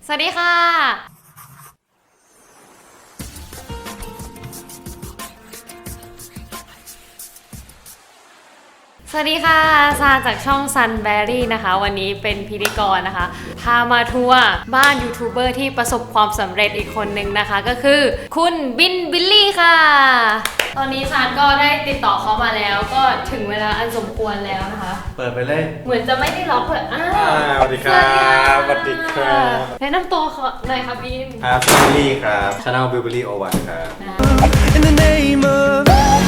สวัสดีค่ะสวัสดีค่ะซาจากช่อง Sunberry นะคะวันนี้เป็นพิธีกรนะคะพามาทัวร์บ้านยูทูบเบอร์ที่ประสบความสำเร็จอีกคนนึงนะคะก็คือคุณบิลลี่ค่ะตอนนี้ซานก็ได้ติดต่อเขามาแล้วก็ถึงเวลาอันสมควรแล้วนะคะเปิดไปเลยเหมือนจะไม่ได้ล็อกเลยสวัสดีครับสวัสดีครับแนะนำตัวหน่อยค่ะบินครับบิลลี่ครับชาแนลบิลลี่โอวันครับ In the name of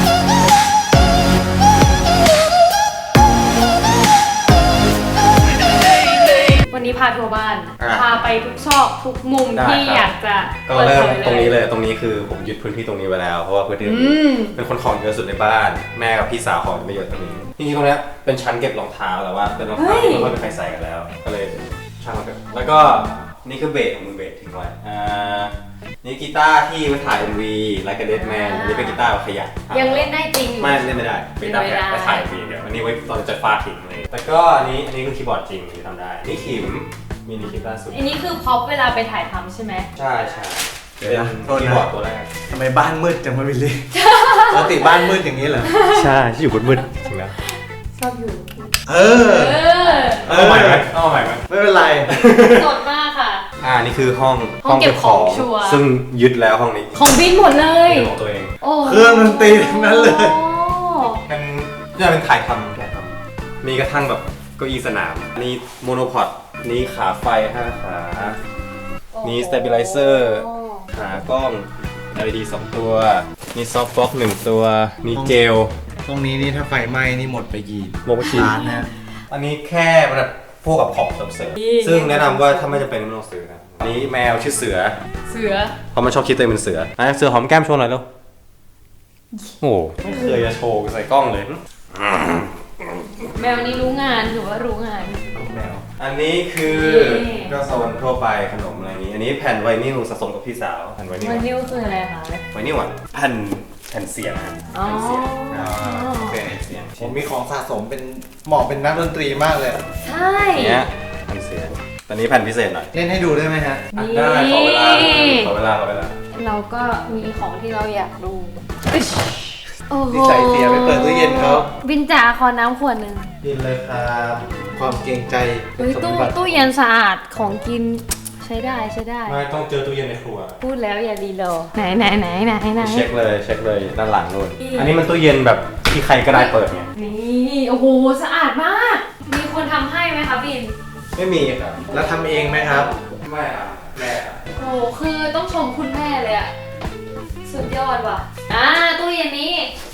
วันนี้พาทัวร์บ้านพาไปทุกซอกทุกมุมที่อยากจะก็เริ่มตรงนี้เลยตรงนี้คือผมยึดพื้นที่ตรงนี้ไว้แล้วเพราะว่าพื้นที่เป็นคนของเยอะสุดในบ้านแม่กับพี่สาวของไม่เยอะตรงนี้จริงๆตรงนี้เป็นชั้นเก็บรองเท้าแต่ว่าเป็นรองเท้าที่ไม่ค่อยมีใครใส่กันแล้วก็เลยช่างมันเถอะแล้วก็นี่คือเบสของมือเบสทิ้งไว้นี่กีตาร์ที่มาถ่าย MV Like a Dead Man นี่เป็นกีตาร์ขยะยังเล่นได้จริงไม่เล่นไม่ได้เป็นกีตาร์แค่ไปถ่าย MV เดี๋ยวอันนี้ไว้ตอนจะฟาดทิ้งเลยแต่ก็อันนี้คือคีย์บอร์ดจริงที่ทำได้นี่ขิมมินิคีย์บอร์ดสุดอันนี้คือพ็อปเวลาไปถ่ายทำใช่ไหมใช่เป็นคีย์บอร์ดตัวแรกทำไมบ้านมืดจังวะบิลลี่ปกติบ้านมืดอย่างนี้เหรอใช่ที่อยู่มืดจริงแล้วชอบอยู่เอาใหม่ไหมไม่เป็นไรสดมากค่ะนี่คือห้องเก็บของซึ่งยึดแล้วห้องนี้ของบินหมดเลยของตัวเองเครื่องดนตรีทั้งนั้นเลยเป็นถ่ายทำมีกระทั่งแบบเก้าอี้สนามนี่โมโนพอดนี่ขาไฟ5ขานี่สเตเบลไลเซอร์ขากล้อง LED 2ตัวนี่ซอฟต์บ็อกซ์1ตัวนี่เจลตรงนี้นี่ถ้าไฟไหม้นี่หมดไปกี่ล้านนะอันนี้แค่แบบพวกกับของเสริมซึ่งแนะนำว่าถ้าไม่จำเป็นไม่ต้องซื้อนะอันนี้แมวชื่อเสือเพราะมันชอบคิดตัวเองเป็นเสือเสือหอมแก้มโชว์หน่อยเร็วโอ้ไม่เคยจะโชว์ใส่กล้องเลยแมวนี้รู้งานถือว่ารู้งานแมวอันนี้คือก็โซนทั่วไปขนมอะไรนี้อันนี้แผ่นไวนิลสะสมกับพี่สาวแผ่นไวนิลคืออะไรคะไวนิลอ่ะแผ่นเสียงเป็นเสียงผมมีของสะสมเป็นเหมาะเป็นนักดนตรีมากเลยใช่เนี้ยแผ่นเสียงตอนนี้แผ่นพิเศษหน่อยเล่นให้ดูได้ไหมฮะได้ขอเวลาเราก็มีของที่เราอยากดูนิสัยเสียไปเปิดตู้เย็นเขาบินจ๋าขอน้ำขวดหนึ่งกินเลยครับความเกรงใจตู้เย็นสะอาดของกินใช้ได้ไม่ต้องเจอตู้เย็นในครัวพูดแล้วอย่าดีโลไหนเช็คเลยด้านหลังนู่นอันนี้มันตู้เย็นแบบที่ใครก็ได้เปิดไงนี่โอ้โหสะอาดมากมีคนทำให้ไหมคะบินไม่มีครับแล้วทำเองไหมครับไม่ครับแม่ครับโอ้คือต้องชมคุณแม่เลยอะสุดยอดว่ะตู้เย็นนี้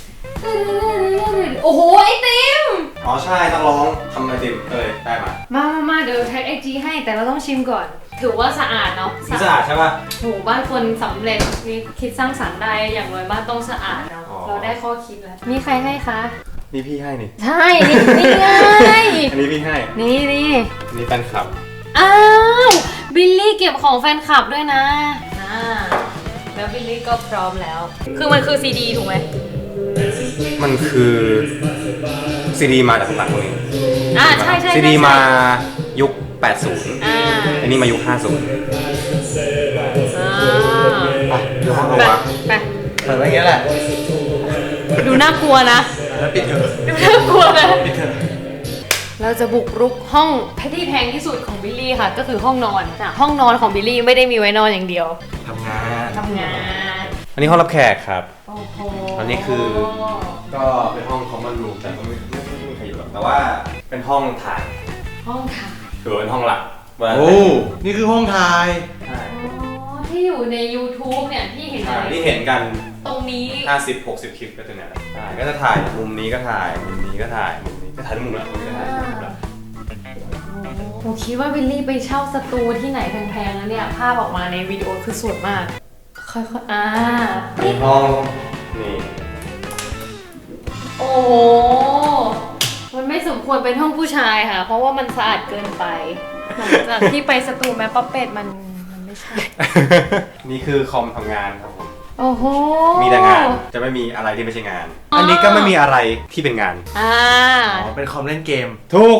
โอ้โหไอติมใช่ต้องลองทำไอติมเลยได้มาเดี๋ยวแท็กไอจีให้แต่เราต้องชิมก่อนถือว่าสะอาดเนาะสะอาดใช่ป่ะโหบ้านคนสำเร็จมีคิดสร้างสรรค์ได้อย่างน้อยบ้านต้องสะอาดเนาะเราได้ข้อคิดแล้วมีใครให้คะนี่พี่ให้นี่ใช่นี่ไงอันนี้พี่ให้นี่แฟนคลับอ้าวบิลลี่เก็บของแฟนคลับด้วยนะแล้วบิลลี่ก็พร้อมแล้วคือมันคือซีดีถูกไหมมันคือซีดีมาจากหลังตรงนี้ใช่ซีดีมายุค80อันนี้มายุค50 ดูห้องเราไปเปิดไว้อย่างนี้แหละดูน่ากลัวนะแล้วปิดเถอะดูน่ากลัวนะเราจะบุกรุกห้องที่แพงที่สุดของบิลลี่ค่ะก็คือห้องนอนห้องนอนของบิลลี่ไม่ได้มีไว้นอนอย่างเดียวทำงานอันนี้ห้องรับแขกครับโอ้โหอันนี้คือก็เป็นห้องคอมมอนรูมแต่ก็ไม่มีใครอยู่หรอกแต่ว่าเป็นห้องถ่ายถือเป็นห้องหลักโอ้นี่คือห้องถ่ายที่อยู่ใน YouTube เนี่ยที่เห็นกันตรงนี้ 50-60 คลิปก็จะเนี่ยก็จะถ่ายมุมนี้ก็ถ่ายมุมนี้ก็ถ่ายมุมนี้ก็ถ่ายมุมละมุมนี้ก็ถ่ายมุมละผมคิดว่าบิลลี่ไปเช่าสตูที่ไหนแพงๆแล้วเนี่ยภาพออกมาในวิดีโอคือสวยมากค่อยมีห้องนี่โอ้มันไม่สมควรเป็นห้องผู้ชายค่ะเพราะว่ามันสะอาดเกินไปหลังจากที่ไปสตูแม่ป๊อปเป็ดมันไม่ใช่นี่คือคอมทำงานครับผมโอ้โหมีแต่งานจะไม่มีอะไรที่ไม่ใช่งานอันนี้ก็ไม่มีอะไรที่เป็นงานเป็นคอมเล่นเกมถูกเฮ้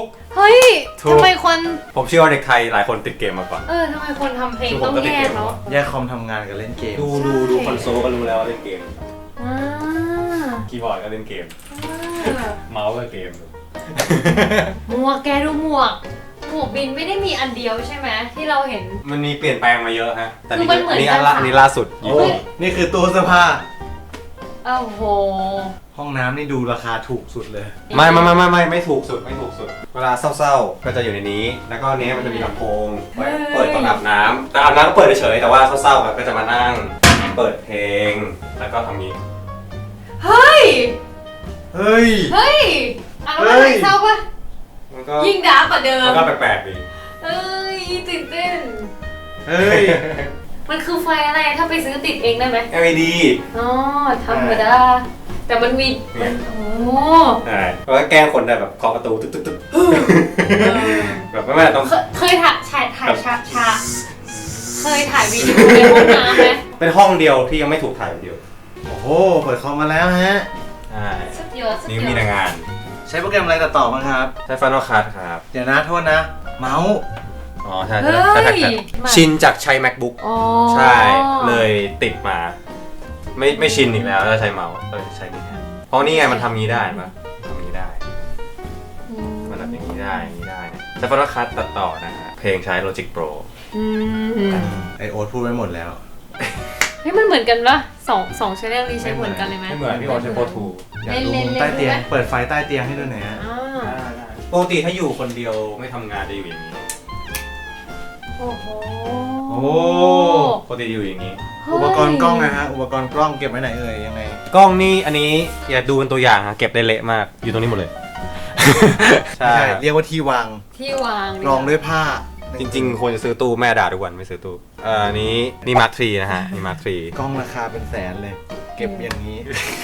ฮ้ยถูกทำไมคนผมเชื่อว่าเด็กไทยหลายคนติดเกมมาก่อนทำไมคนทำเพลงคือผมต้องก็ติดแยเกกมเนาะแยกคอมทำงานกับเล่นเกมดูคอนโซลก็รู้แล้วว่าเล่นเกมอ่าคีย์บอร์ดก็เล่นเกม เมาส์ก็เกมหมวกแกดูหมวกบินไม่ได้มีอันเดียวใช่ไหมที่เราเห็นมันมีเปลี่ยนแปลงมาเยอะฮะ แต่นี่คือมันเหมือนนี่กันอันนี้ล่าสุดโอ้นี่คือตู้เสื้อผ้าโอ้โหห้องน้ำนี่ดูราคาถูกสุดเลยไม่ถูกสุด เวลาเศร้าๆ ก็จะอยู่ในนี้ แล้วก็อันนี้มันจะมีลำโพงไว้เปิดตอนอาบน้ำแต่อาบน้ำก็เปิดเฉยๆแต่ว่าเศร้าๆก็จะมานั่งเปิดเพลง แล้วก็ทำนี้เฮ้ยเฮ้ยอ่ะแล้วมันเศร้าปะมันก็ยิ่งดาร์กกว่าเดิมมันก็แปลกๆดีเอ้ยตื่นเต้นเฮ้ยมันคือไฟอะไรถ้าไปซื้อติดเองได้ไหม LED อ๋อธรรมดาแต่มันมีเนี่ยโอ้ใช่แล้วก็แกล้งคนได้แบบเคาะประตูตึ๊กๆแบบไม่ต้องเคยถ่ายฉากเคยถ่ายวีดีโอในห้องน้ำไหมเป็นห้องเดียวที่ยังไม่ถูกถ่ายวิดีโอโอ้โห เปิดคอมมาแล้วฮะใช่สุดยอดนี่มีแต่งานใช้โปรแกรมอะไรตัดต่อบ้างครับใช้ Final Cut ครับเดี๋ยวนะโทษนะ เมาส์อ๋อใช่เฮ้ใช่ยชินจากใช้ MacBook อ๋อใช่ เลยติดมา ไม่ชินอีกแล้วถ้าใช้เมาส์เลยใช้นี่แทนเพราะนี่ไงมันทำงี้ได้ปะทำงี้ได้ มันแบบอย่างนี้ได้อย่างนี้ได้เนี่ยใช้ Final Cut ตัดต่อนะฮะเพลงใช้ Logic Pro อืมไอโอ๊ตพูดไว้หมดแล้วเฮ้ยมันเหมือนกันปะสองชแนลนี้ใช้เหมือนกันเลยไหมไม่เหมือนพี่โอใช้ Pro อยากดูมุมใต้เตียง เปิดไฟใต้เตียงให้ดูหน่อยฮะอ่า 2ปกติถ้าอยู่คนเดียวไม่ทำงานจะอยู่อย่างนี้โอ้โหโอ้ปกติอยู่อย่างนี้อุปกรณ์กล้องนะฮะ อุปกรณ์กล้องเก็บไว้ไหนเอ่ยยังไงกล้องนี่อันนี้อย่าดูเป็นตัวอย่างฮะเก็บได้เละมากอยู่ตรงนี้หมดเลย ใช่ใช่ เรียกว่าที่วางที่วางรองด้วยผ้าจริงๆควรจะซื้อตู้แม่ด่าทุกวันไม่ซื้อตู้อันนี้นี่มาร์ค3นะฮะนี่มาร์คกล้องราคาเป็นแสนเลย เก็บอย่างนี้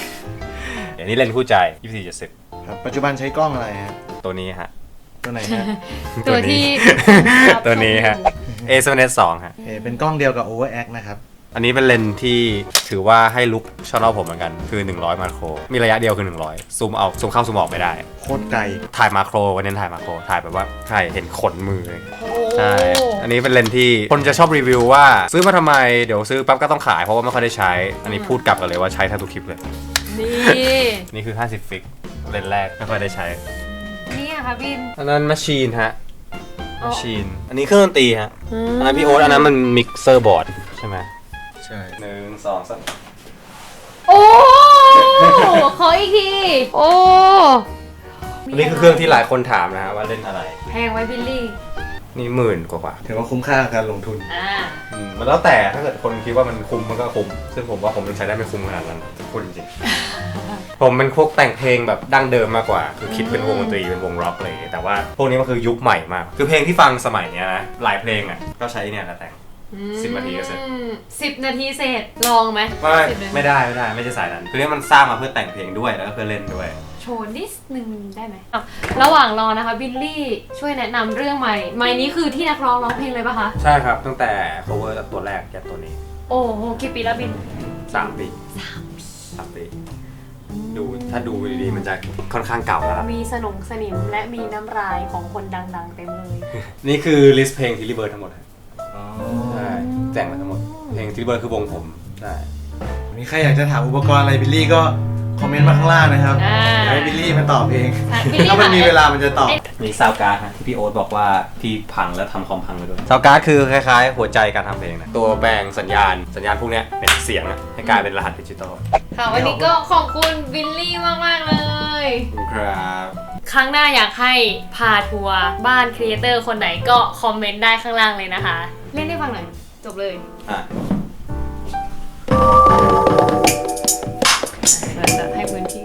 3อันนี้เลนส์คู่ใจ24-70 ครับ ปัจจุบันใช้กล้องอะไรฮะตัวนี้ฮะตัวไหนฮะตัวที่ตัวนี้ฮะ A7S2 ฮะเป็นกล้องเดียวกับ Overact นะครับอันนี้เป็นเลนส์ที่ถือว่าให้ลุกชอบผมเหมือนกันคือ100มาโครมีระยะเดียวคือ100ซูมเอาซูมเข้าซูมออกไม่ได้โคตรไกลถ่ายมาโครวันนี้ถ่ายมาโครถ่ายแบบว่าใช่เห็นขนมือเลยโอ้ใช่ อันนี้เป็นเลนส์ที่คนจะชอบรีวิวว่าซื้อมาทำไมเดี๋ยวซื้อปั๊บก็ต้องขายเพราะว่าไม่ค่อยได้ใช้ อันนี้พูดกลับกันเลยว่าใช้แทบทุกคลิปเลยนี่นี่คือ50ฟิกเลนส์แรกไม่ค่อยได้ใช้นี่อะค่ะบินอันนั้นแมชชีนฮะอ๋แมอชชีนอันนี้เครื่องดนตรีฮะอันนั้นพี่โอ๊ตอันนั้นมันมิกเซอร์บอร์ดใช่ไหมใช่ 1 2 3 โอ้ขออีกที โอ้อันนี้คือเครื่องที่หลายคนถามนะฮะว่าเล่นอะไรแพงไว้บิลลี่นี่10,000 กว่าถือว่าคุ้มค่ากับการลงทุนอ่ามันแล้วแต่ถ้าเกิดคนคิดว่ามันคุ้มมันก็คุ้มซึ่งผมว่าผมยังใช้ได้ไม่คุ้มขนาดนั้นพูดจริงๆ ผมเป็นพวกแต่งเพลงแบบดั้งเดิมมากกว่า คือคิดเป็นวงดนตรีเป็นวงร็อกอะไรอย่างเงี้ยแต่ว่าพวกนี้มันคือยุคใหม่มาก คือเพลงที่ฟังสมัยเนี้ยนะหลายเพลงอ่ะก็ใช้เนี่ยแล้วแต่ง 10 นาทีก็เสร็จ 10 นาทีเสร็จ ลองไหมไม่ได้ไม่ใช่สายนั้นคือเนี่ยมันสร้างมาเพื่อแต่งเพลงด้วยแล้วก็เพื่อเล่นด้วยโชว์นิดนึงได้ไหมอ่ะระหว่างรอนะคะบิลลี่ช่วยแนะนำเรื่องใหม่ใหม่นี้คือที่นักร้องร้องเพลงเลยปะคะใช่ครับตั้งแต่ cover ตัวแรกยันตัวนี้โอ้โหกี่ปีแล้วบิน 3 ปี3 ปีดูถ้าดูดีๆมันจะค่อนข้างเก่าแล้วล่ะมีสนิมและมีน้ำลายของคนดังๆเต็มเลยนี่คือลิสต์เพลงที่รีเบิร์ดทั้งหมดครับใช่แต่งมาทั้งหมดเพลงที่รีเบิร์ดคือวงผมใช่มีใครอยากจะถามอุปกรณ์อะไรบิลลี่ก็คอมเมนต์มาข้างล่างนะครับอ่าเดี๋ยวให้บิลลี่มาตอบเองอ่ะบิลลี่ถ้ามันมีเวลามันจะตอบมีซาวการ์ดฮะที่พี่โอ๊ตบอกว่าที่พังแล้วทำคอมพังไปด้วยซาวการ์ดคือคล้ายๆ หัวใจการทำเพลงนะตัวแบ่งสัญญาณพวกเนี้ยเป็นเสียงอะให้กลายเป็นรหัสดิจิตอลค่ะวันนี้ก็ขอบคุณบิลลี่มากๆเลยครับครั้งหน้าอยากให้พาทัวร์บ้านครีเอเตอร์คนไหนก็คอมเมนต์ได้ข้างล่างเลยนะคะ เล่นให้ฟังหน่อย จบเลยอ่ะเราจะให้พื้นที่